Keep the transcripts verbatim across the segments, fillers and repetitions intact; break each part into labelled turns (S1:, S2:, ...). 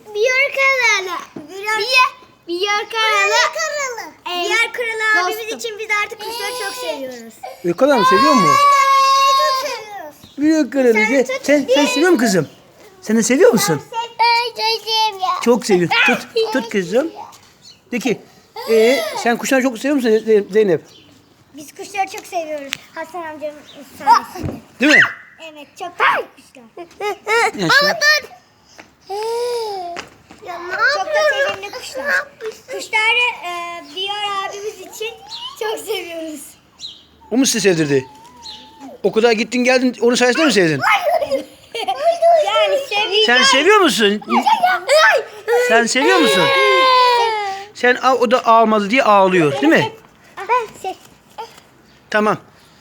S1: Biyer Karalı. Biyer, biyer Karalı. Biyer Karalı abimiz için biz artık kuşları çok seviyoruz.
S2: O kadar mı seviyor mu?
S1: Çok seviyoruz.
S2: Büyük kralı. Sen, sen, sen seviyor musun kızım? Sen de seviyor musun?
S1: Ben çok seviyorum.
S2: Çok seviyor. Tut, tut kızım. De ki, ee, sen kuşları çok seviyor musun Ze- Zeynep?
S1: Biz kuşları çok seviyoruz. Hasan amcanın sayesinde.
S2: Değil mi?
S1: Evet, çok tatlı kuşlar.
S2: Yaşa.
S1: Ya, çok da sevimli kuşlar. Kuşları e, Biyer abimiz için çok seviyoruz.
S2: O mu sizi sevdirdi? O kadar gittin geldin, onun sayesinde mi sevdin?
S1: Yani seviyorum.
S2: Sen seviyor musun? Sen seviyor musun? Sen al, o da almadı diye ağlıyor, değil mi?
S1: Ben sev.
S2: Tamam.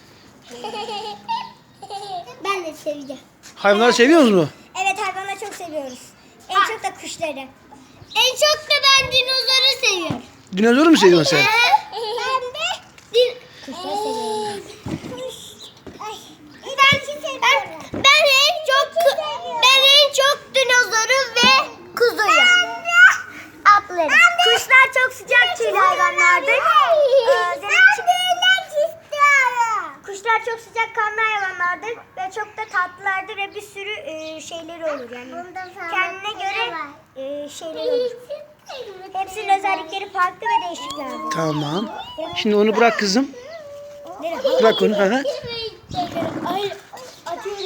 S1: Ben de seveceğim.
S2: Hayvanları seviyor musunuz?
S1: Evet, hayvanları çok seviyoruz. En çok da kuşları. En çok da ben dinozoru seviyorum.
S2: Dinozoru mu seviyorsun sen?
S1: Ben de din kuşları seviyorum. Ben, ben, ben en çok ben en çok dinozoru ve kuzuyu. Atları. Kuşlar çok sıcak tüylü hayvanlardır. Ee, Kuşlar çok sıcak kanlı hayvanlardır ve çok da tatlılardır ve bir sürü e, şeyleri olur yani. Kendine göre e, şeyleri olur. Hepsinin özellikleri farklı ve değişiklerdir.
S2: Tamam. Şimdi onu bırak kızım.
S1: Nereye?
S2: Bırak onu. Hı hı.
S1: Ay, atıyorum.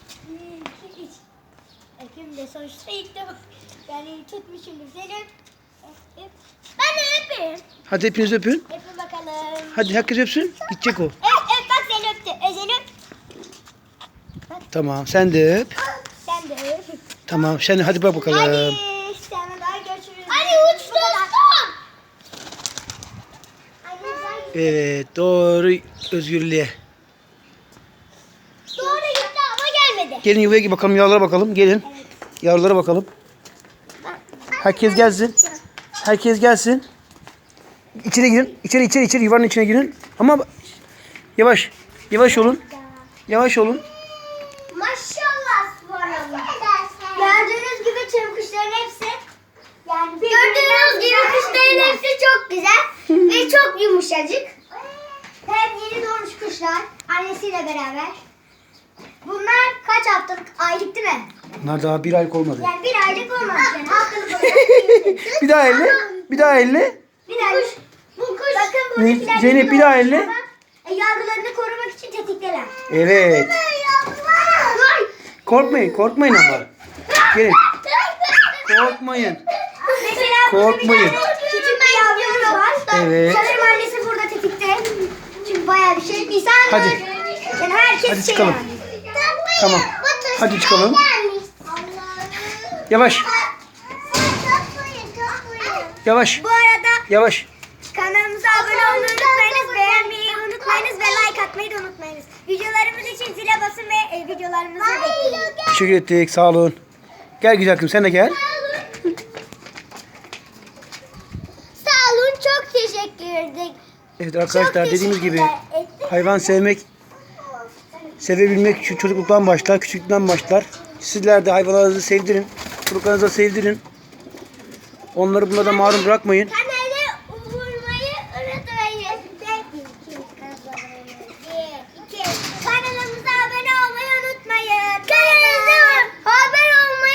S1: Öpeyim de sonuçta ilk defa. Yani tutmuşumdur seni. Öp. Ben de öpeyim.
S2: Hadi hepiniz öpün.
S1: Öpün bakalım.
S2: Hadi herkes öpsün. Gidecek o.
S1: Öp öp bak seni öptü. Özeni öp.
S2: Tamam sen de öp.
S1: Sen de öp.
S2: Tamam sen hadi bak bakalım.
S1: Hadi. Sen daha görüşürüz. Hadi uç dostum.
S2: Evet doğru özgürlüğe.
S1: Doğru gitti ama gelmedi.
S2: Gelin yuvaya bakalım, yavrulara bakalım. Gelin. Yavrulara bakalım. Herkes gelsin. Herkes gelsin. İçeri girin. İçeri içeri içeri yuvanın içine girin. Ama yavaş. Yavaş olun. Yavaş olun.
S1: Maşallah subhanallah. Gördüğünüz gibi tüm kuşların hepsi yani gördüğünüz gibi kuşların hepsi çok güzel ve çok yumuşacık. Hep yeni doğmuş kuşlar annesiyle beraber. Bunlar kaç haftalık, aylık değil mi?
S2: Bunlar daha bir aylık olmadı.
S1: Yani bir aylık olmamış yani haftalık olarak.
S2: Bir daha elle. Bir daha elle.
S1: Bir aylık. Bu kuş. Bakın buradakiler
S2: Zeynep,
S1: yeni
S2: bir daha
S1: doğmuş
S2: elle.
S1: ama, e, yavrularını korumak için tetikteler.
S2: Evet. Korkmayın. Korkmayın ama. Gelin. Korkmayın.
S1: Mesela
S2: Korkmayın.
S1: burada bir tane küçük bir yavrumuz var.
S2: Evet.
S1: Sanırım annesi burada tetikte. Çünkü bayağı bir şey. Nisan.
S2: Hadi.
S1: Yani herkes
S2: Hadi
S1: şey
S2: çıkalım.
S1: yani.
S2: Tamam. Hadi çıkalım. Yavaş. Yavaş.
S1: Bu arada
S2: Yavaş.
S1: kanalımıza abone olmayı unutmayınız, beğenmeyi unutmayınız ve like atmayı da unutmayınız. Videolarımız için zile basın ve e, videolarımızı bekleyin.
S2: Teşekkür ettik. Sağ olun. Gel güzel kızım sen de gel.
S1: Sağ olun, çok teşekkür ederim.
S2: Evet arkadaşlar
S1: Çok
S2: dediğimiz gibi
S1: teşekkürler ettim.
S2: hayvan sevmek, sevebilmek şu çocukluktan başlar, küçüklükten başlar. Sizler de hayvanlarınızı sevdirin, çocuklarınıza sevdirin. Onları bunlardan mahrum bırakmayın.